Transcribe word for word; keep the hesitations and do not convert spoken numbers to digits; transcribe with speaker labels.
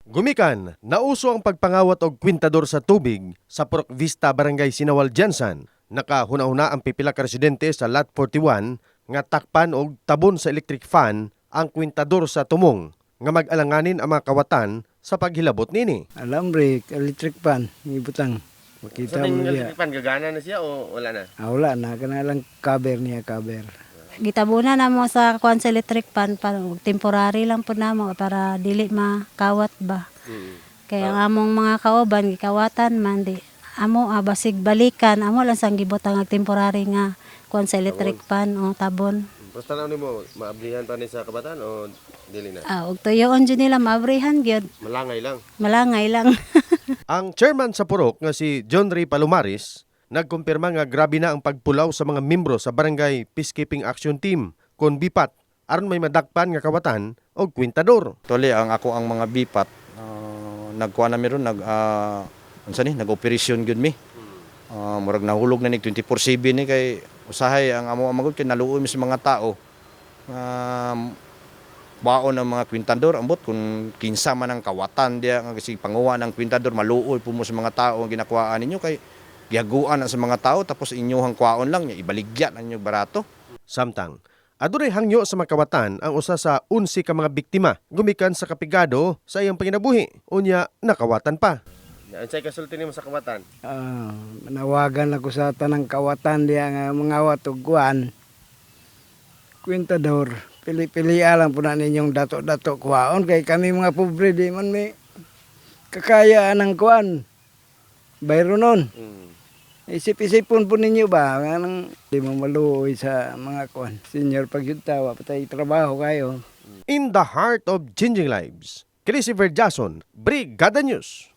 Speaker 1: Gumikan, nauso ang pagpangawat og kwintador sa tubig sa Purok Vista, Barangay Sinawal, Jansan. Nakahuna-huna ang pipila ka residente sa Lot forty-one nga takpan og tabon sa electric fan ang kwintador sa tumong nga mag-alanganin ang mga kawatan sa paghilabot nini.
Speaker 2: Alambre, electric pan, ibutang. Makita
Speaker 1: Sa
Speaker 2: mo
Speaker 1: electric
Speaker 2: niya.
Speaker 1: fan gagana na siya o wala na?
Speaker 2: Ah, wala na, kana lang cover niya, cover.
Speaker 3: Gitabunan na mo sa kuan sa electric pan para temporary lang po namo para dili makawat ba.
Speaker 1: Hmm.
Speaker 3: Kaya ang among mga kauban gikawatan man di amo ah, basig balikan amo lang sang gibutang ang temporary nga kuan sa electric pan o tabon.
Speaker 1: Basta na mo, maablihan pa ni sa kabataan o dili na?
Speaker 3: Ah, ug tuyoon jud nila maabrihan gyud.
Speaker 1: Malangay lang.
Speaker 3: Malangay lang.
Speaker 1: Ang chairman sa Purok nga si John Ray Palomares nagkumpirma nga grabe na ang pagpulaw sa mga membro sa Barangay Peacekeeping Action Team kon bipat aron may madakpan nga kawatan og kwintador.
Speaker 4: Tuli ang ako ang mga bipat uh, nagkuha na meron nag uh, unsa ni nag-operasyon gyud mi. Uh, murag nahulog na ni twenty-four seven ni kay usahay ang amo amagod kay naluoy mi sa mga tao. Um, baon ang mga kwintador ambot kung kinsa man ang kawatan dia nga kasi panguha ng kwintador maluoy po mo sa mga tao ang ginakuhaan ninyo kay gihaguan na sa mga tao tapos inyong kwaon lang niya ibaligyan ang inyong barato.
Speaker 1: Samtang adunay hangyo sa mga kawatan ang usa sa unsi ka mga biktima gumikan sa kapigado sa iyang panginabuhi unya nakawatan pa. Unsay kasulti nimo sa kawatan?
Speaker 2: Ah, manawagan ako sa tanang kawatan diya nga mangawat og kuan. Kwintador, pili-pili lang po na ninyong dato-dato kuwaon kay kami mga pobre di man may kakayaan ng kuan. Bayro nun.
Speaker 1: Hmm.
Speaker 2: Isip-isipon po ninyo ba? Anong di mo maluoy sa mga kuan. Senior pagyuntawa, patay trabaho kayo.
Speaker 1: In the heart of changing lives, Christopher Jason, Brigada News.